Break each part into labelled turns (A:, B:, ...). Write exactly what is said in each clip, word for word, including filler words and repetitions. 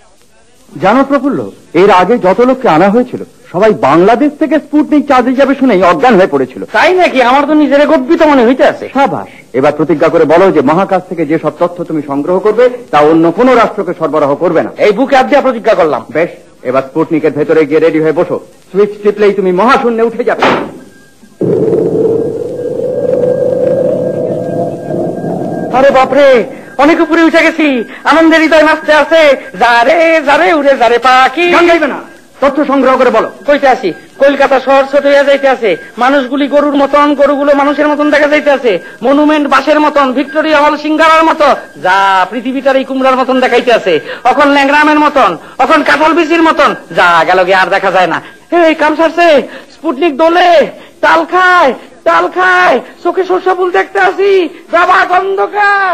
A: জানো প্রফুল্ল, এর আগে যত লোককে আনা হয়েছিল সবাই বাংলাদেশ থেকে স্পুটনিক চাঁদে যাবে শুনেই অজ্ঞান হয়ে পড়েছিল।
B: তাই নাকি? আমার তো নিজের গর্বিত মনে হইতে আছে।
A: সাবাস, এবার প্রতিজ্ঞা করে বলো যে মহাকাশ থেকে যে সব তথ্য তুমি সংগ্রহ করবে তা অন্য কোনো রাষ্ট্রকে সরবরাহ করবে না।
B: এই বুকে হাত দিয়ে প্রতিজ্ঞা করলাম।
A: বেশ, এবার স্পুটনিকের ভেতরে গিয়ে রেডি হয়ে বসো। সুইচ টিপলেই তুমি মহাশূন্যে উঠে যাবে।
B: আরে বাপরে, অনেক উপরে উঠে গেছি। আনন্দের হৃদয় নাচতে আছে। যারে যারে উড়ে যারে পাখি।
A: গান গাইবে না, তথ্য সংগ্রহ করে বলো।
B: কইতে আসি, কলকাতা শহর ছোট হয়ে যাইতে আছে। মানুষগুলি গরুর মতন, গরুগুলো মানুষের মতন দেখা যাইতে আছে। মনুমেন্ট বাসের মতন, ভিক্টোরিয়া হল সিঙ্গারার মতো, যা পৃথিবীটার এই কুমড়ার মতন দেখাইতে আছে। এখন ল্যাংরামের মতন, এখন কাঁঠাল বিচির মতন, যা গেল গিয়ে আর দেখা যায় না। এই কাম সারছে, স্পুটনিক দোলে, তাল খায়, তাল খায়, চোখে সর্ষা ফুল দেখতে আসি। বাবা গন্ধকার,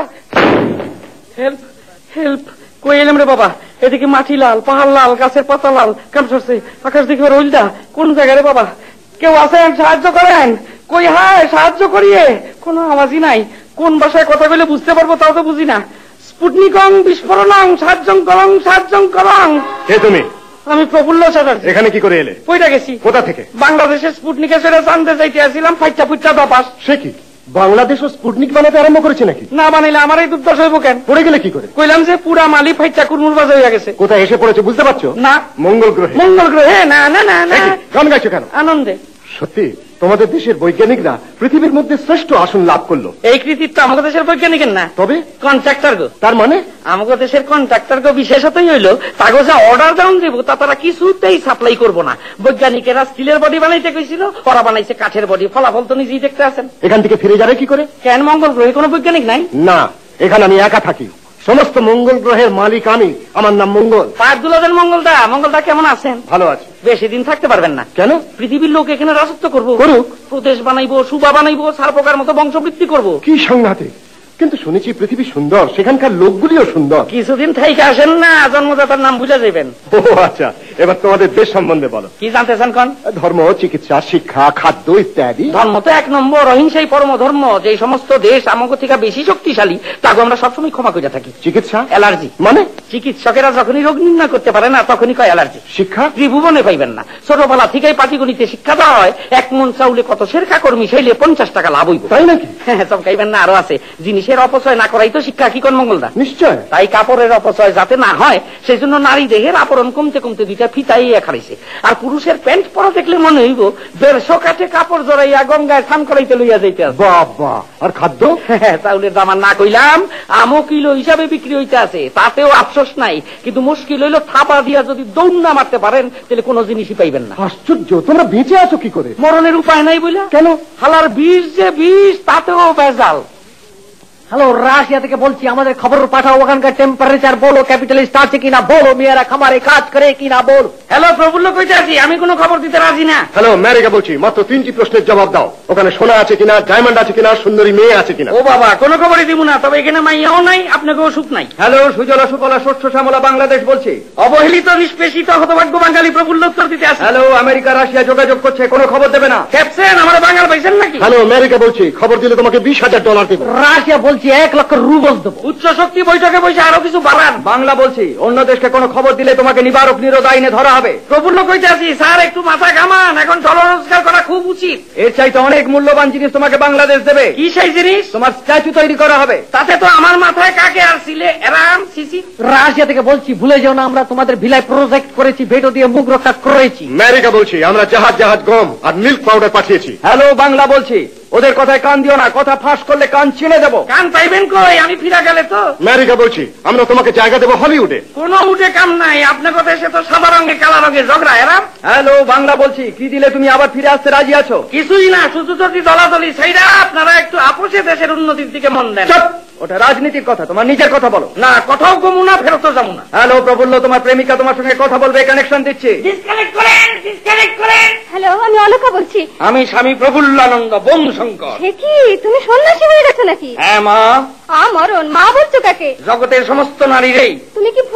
B: হেল্প হেল্প। কই এলাম রে বাবা? এদিকে মাটি লাল, পাহাড় লাল, গাছের পাতা লাল, কাম সরছে। আকাশ দেখে রইলটা কোন জায়গায় রে বাবা? কেউ আছেন? সাহায্য করেন। কই হায়, সাহায্য করিয়ে কোনো আওয়াজই নাই। কোন ভাষায় কথা বলে বুঝতে পারবো তাও তো বুঝি না। স্পুটনিকং বিস্ফোরণং সাহায্যং করং সাহায্যং করং।
A: কে তুমি?
B: আমি প্রফুল্ল চ্যাটার্জি।
A: এখানে কি করে এলে?
B: কইটা গেছি।
A: কোথা থেকে?
B: বাংলাদেশের স্পুটনিকের সেটা জানতে চাইতে আসছিলাম। ফাইটা ফুইটা দপাস।
A: সে কি বাংলাদেশও স্পুটনিক বানাতে আরম্ভ করেছে নাকি?
B: না বানাইলে আমার এই দুর্দশ হইব কেন?
A: পড়ে গেলে কি করে?
B: কইলাম যে পুরা মালি ফাইটা কুরমুর বাজে হয়ে গেছে।
A: কোথায় এসে পড়েছে বুঝতে পারছো?
B: না।
A: মঙ্গল গ্রহে।
B: মঙ্গল গ্রহে? না না না না।
A: গান গাইছো কেন?
B: আনন্দে।
A: সত্যি তোমাদের দেশের বৈজ্ঞানিকরা পৃথিবীর মধ্যে শ্রেষ্ঠ আসন লাভ করলো।
B: এই কৃতিত্ব আমাদের দেশের বৈজ্ঞানিকের না,
A: তবে
B: কন্ট্রাক্টর গো।
A: তার মানে
B: আমাদের দেশের কন্ট্রাক্টর গো বিশেষতই হইল তাগো যা অর্ডার ডাউন দেবো তা তারা কিছুতেই সাপ্লাই করবো না। বৈজ্ঞানিকেরা স্টিলের বডি বানাইতে কইছিল, ওরা বানাইছে কাঠের বডি। ফলাফল তো নিজেই দেখতে আছেন।
A: এখান থেকে ফিরে যাবে কি করে?
B: কেন, মঙ্গল গ্রহে কোনো বৈজ্ঞানিক নাই?
A: না, এখানে আমি একা থাকি। সমস্ত মঙ্গল গ্রহের মালিক আমি। আমার নাম মঙ্গল।
B: পাঁচ দুলাদের মঙ্গলদা। মঙ্গলদা কেমন আছেন?
A: ভালো আছে।
B: বেশি দিন থাকতে পারবেন না।
A: কেন?
B: পৃথিবীর লোক এখানে রাজত্ব করবো।
A: করুক।
B: প্রদেশ বানাইবো, সুবা বানাইবো, সারপোকার মতো বংশবৃদ্ধি করবো।
A: কি সাংঘাতিক! কিন্তু শুনেছি পৃথিবী সুন্দর, সেখানকার লোকগুলিও সুন্দর।
B: কিছুদিন থাইকে আসেন না, জন্মদাতার নাম বুঝে যাবেন।
A: ও আচ্ছা, এবার তোমাদের দেশ সম্বন্ধে বলো।
B: কি জানতে চান কোন?
A: ধর্ম, চিকিৎসা, শিক্ষা, খাদ্য ইত্যাদি।
B: ধর্ম তো এক নম্বর, অহিংসাই পরম ধর্ম। যে সমস্ত দেশ আমাকে থেকে বেশি শক্তিশালী তাকে আমরা সবসময় ক্ষমা করে থাকি।
A: চিকিৎসা?
B: অ্যালার্জি।
A: মানে?
B: চিকিৎসকেরা যখনই রোগ নির্ণয় করতে পারে না তখনই কয় অ্যালার্জি।
A: শিক্ষা?
B: ত্রিভুবনে পাইবেন না। ছোটবেলা থেকেই পাটিগণিতে শিক্ষা দেওয়া হয়। এক মন চাউলে কত সের কাকর মিশাইলে পঞ্চাশ টাকা লাভ হইব।
A: তাই নাকি?
B: হ্যাঁ, চমকাইবেন না, আরো আছে। জিনিসের অপচয় না করাই তো শিক্ষা। কি কোন মঙ্গলদা?
A: নিশ্চয়।
B: তাই কাপড়ের অপচয় যাতে না হয় সেই জন্য নারী দেহের আবরণ কমতে কমতে দুইটা ফিতাই খাড়াইছে। আর পুরুষের প্যান্ট পরা দেখলে মনে হইব দেড়শো কাঠে কাপড় জড়াইয়া গঙ্গায় স্নান করাইতে লইয়া যাইতে আছে।
A: বাবা! আর খাদ্য?
B: চাউলের দাম আর না কইলাম, আমও কিলো হিসাবে বিক্রি হইতে আছে, তাতেও আফসোস নাই। কিন্তু মুশকিল হইল থাপা দিয়া যদি দৌড় না মারতে পারেন তাহলে কোনো জিনিসই পাইবেন না।
A: আশ্চর্য! তোমরা বেঁচে আছো কি করে?
B: মরণের উপায় নাই বইলা।
A: কেন?
B: হালার বিষ যে বিষ, তাতেও বেজাল। হ্যালো, রাশিয়া থেকে বলছি, আমাদের খবর পাঠাও। ওখানকার টেম্পারেচার বলো, ক্যাপিটালিস্ট আছে কিনা বলো, মেয়েরা খামারে কাজ করে কিনা বল। হ্যালো, প্রফুল্ল কইতে আছি, আমি কোনো খবর দিতে রাজি না।
A: হ্যালো, আমেরিকা বলছি, মাত্র তিনটি প্রশ্নের জবাব দাও। ওখানে সোনা আছে কিনা, ডায়মন্ড আছে কিনা, সুন্দরী মেয়ে আছে কিনা?
B: ও বাবা, কোনো খবরই দিব না, তবে এখানে মাইয়াও নাই, আপনাকেও সুখ নাই।
A: হ্যালো, সুজলা সুফলা শস্য শ্যামলা বাংলাদেশ বলছি।
B: অবহেলিত নিষ্পেষিত হতভাগ্য বাঙালি প্রফুল্ল উত্তর দিতে আছে।
A: হ্যালো, আমেরিকা রাশিয়া যোগাযোগ করছে, কোনো খবর দেবে না।
B: ক্যাপসেন, আমার বাঙাল পাইছেন নাকি?
A: হ্যালো, আমেরিকা বলছি, খবর দিলে তোমাকে বিশ হাজার ডলার দেবো।
B: রাশিয়া বলছি, এক লক্ষ রুবল দেবো। উচ্চ শক্তি বৈঠকে বসে আরো কিছু বাড়ান।
A: বাংলা বলছি, অন্য দেশকে কোনো খবর দিলে তোমাকে নিবারক নিরোধ আইনে ধরা হবে।
B: প্রফুল্ল কইতে আছি, স্যার একটু মাথা ঘামান, এখন ডলার রোজগার করা খুব উচিত।
A: এর চাইতে অনেক মূল্যবান জিনিস তোমাকে বাংলাদেশ দেবে।
B: কি সেই জিনিস?
A: তোমার স্ট্যাচু তৈরি করা হবে।
B: তাতে তো আমার মাথায় কাকে আর ছিলে এরাম সিসি। রাশিয়া থেকে বলছি, ভুলে যাও না আমরা তোমাদের ভিলায় প্রজেক্ট করেছি, ভেটো দিয়ে মুখ রক্ষা করেছি।
A: আমেরিকা বলছি, আমরা জাহাজ জাহাজ গম আর মিল্ক পাউডার পাঠিয়েছি। হ্যালো, বাংলা বলছি, ওদের কথায় কান দিও না, কথা ফাঁস করলে কান ছিঁড়ে দেবো।
B: কান পাইবেন কই, আমি ফিরা গেলে তো।
A: আমেরিকা বলছি, আমরা তোমাকে জায়গা দেবো হলিউডে।
B: কোনো উঠে কাম নাই, আপনার কথা এসে তো সাদা রঙে কালা রঙে ঝগড়া এরাম।
A: হ্যালো, বাংলা বলছি, কি দিলে তুমি আবার ফিরে আসতে রাজি আছো?
B: কিছুই না, শুধু যদি দলাদলি সেইটা আপনারা একটু আপোষে দেশের উন্নতির দিকে মন দেন।
A: ওটা রাজনীতির কথা, তোমার নিজের কথা বলো।
B: না, কথাও কমু না, ফেরত যাবো না।
A: হ্যালো, প্রফুল্ল, তোমার প্রেমিকা তোমার সঙ্গে কথা বলবে, কানেকশন দিচ্ছি।
B: ডিসকানেক্ট করেন, ডিসকানেক্ট করেন।
C: হ্যালো, আমি অলকা বলছি।
B: আমি স্বামী প্রফুল্লানন্দ বংশঙ্কর।
C: সে কি, তুমি সন্ন্যাসী হয়ে গেছো নাকি?
B: হ্যাঁ মা।
C: মরণ, মা বলছো কাকে?
B: জগতের সমস্ত নারীরই।
C: তুমি কি ভুল বকছো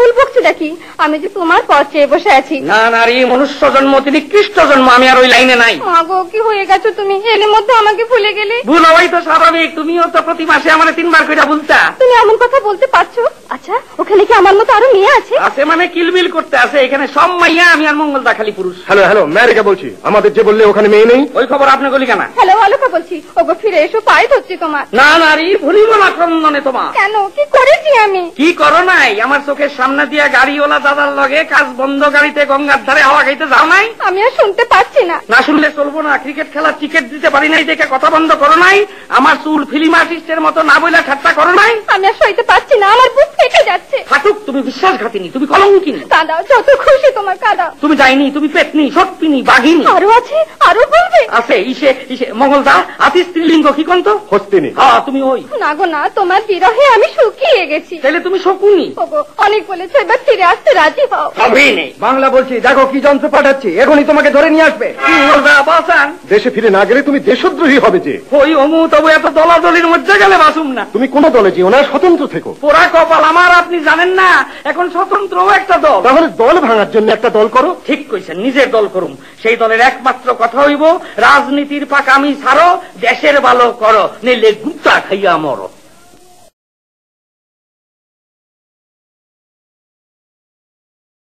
C: কারণটা কি? আমি যে তোমার পথ চেয়ে বসে আছি।
B: না নারী, মনুষ্য জন্ম তিনি খ্রিস্ট জন্ম, আমি আর ওই লাইনে নাই।
C: মাগো, কি হয়ে গেছো তুমি? এর মধ্যে আমাকে ভুলে গেলে।
B: ভুল হওয়াই তো স্বাভাবিক, তুমিও তো প্রতি মাসে আমার তিনবার করে ভুলতা।
C: তুমি এমন কথা বলতে পারছো? আচ্ছা, ওখানে কি আমার মতো আরো মেয়ে আছে?
B: আছে মানে কিলবিল করতে আছে, এখানে সব মাইয়া, আমি আর মঙ্গলদা খালি পুরুষ।
A: হ্যালো হ্যালো, ম্যারিকা বলছি। আমাদের যে বললে ওখানে মেয়ে নেই,
B: ওই খবর আপনি গলি কেন?
C: হ্যালো, অলকা বলছি। ওগো, ফিরে এসো, পায়ে ধরছি তোমার।
B: না নারী, ভুলিব না ক্রন্দনে তোমার।
C: কেন, কি করেছি আমি?
B: কি করো নাই? আমার চোখের সামনে দিয়া গাড়িওয়ালা দাদার লগে কাজ বন্ধ গাড়িতে গঙ্গার ধারে হাওয়া খাইতে যাও নাই?
C: আমি আর শুনতে পাচ্ছি না।
B: না শুনলে চলবো না। ক্রিকেট খেলার টিকিট দিতে পারি নাই দেখে কথা বন্ধ করো নাই? আমার চুল ফিল্ম আর্টিস্টের মতো না বইলা ঠাট্টা করো নাই?
C: আমি আর সইতে পারছি না, আমার বুক ফেটে যাচ্ছে।
B: ফাটুক, তুমি বিশ্বাসঘাতিনী, তুমি কলঙ্কিনী।
C: কাঁদাও, যত খুশি তোমার কাঁদাও।
B: তুমি যাইনি, তুমি পেতনি, সত্যিনি, বাঘিনী।
C: আরো আছে, আরো বলবে?
B: আছে ইসে ইসে মঙ্গলদা, আতি স্ত্রীলিঙ্গ কি কন্ত?
A: হস্তিনী।
B: হ্যাঁ, তুমি ওই।
C: না গো না, তোমার বিরহে আমি শুকিয়ে গেছি।
B: তাহলে তুমি শকুনি।
C: ওগো, অনেক বলেছো, এবার ফিরে আসতে রাজি হও।
B: সবই নেই।
A: বাংলা বলছি, দেখো কি যন্ত্র পাঠাচ্ছি, এখনই তোমাকে ধরে নিয়ে আসবে।
B: মঙ্গলদা বাসান,
A: দেশে ফিরে না গেলে তুমি দেশদ্রোহী হবে যে।
B: ওই অমু তবু এত দলাদলির মধ্যে গেলে বাসুম না।
A: তুমি কোন দলে যেও না, স্বতন্ত্র থেকো।
B: পোড়া কপাল আমার, আপনি জানেন না এখন স্বতন্ত্র একটা দল।
A: তাহলে দল ভাঙার জন্য একটা দল করো।
B: ঠিক কইছেন, নিজের দল করুম। সেই দলের একমাত্র কথা হইব, রাজনীতির পাকামি ছাড়ো, দেশের ভালো করো, নিলে গুপ্তা খাইয়া মরো।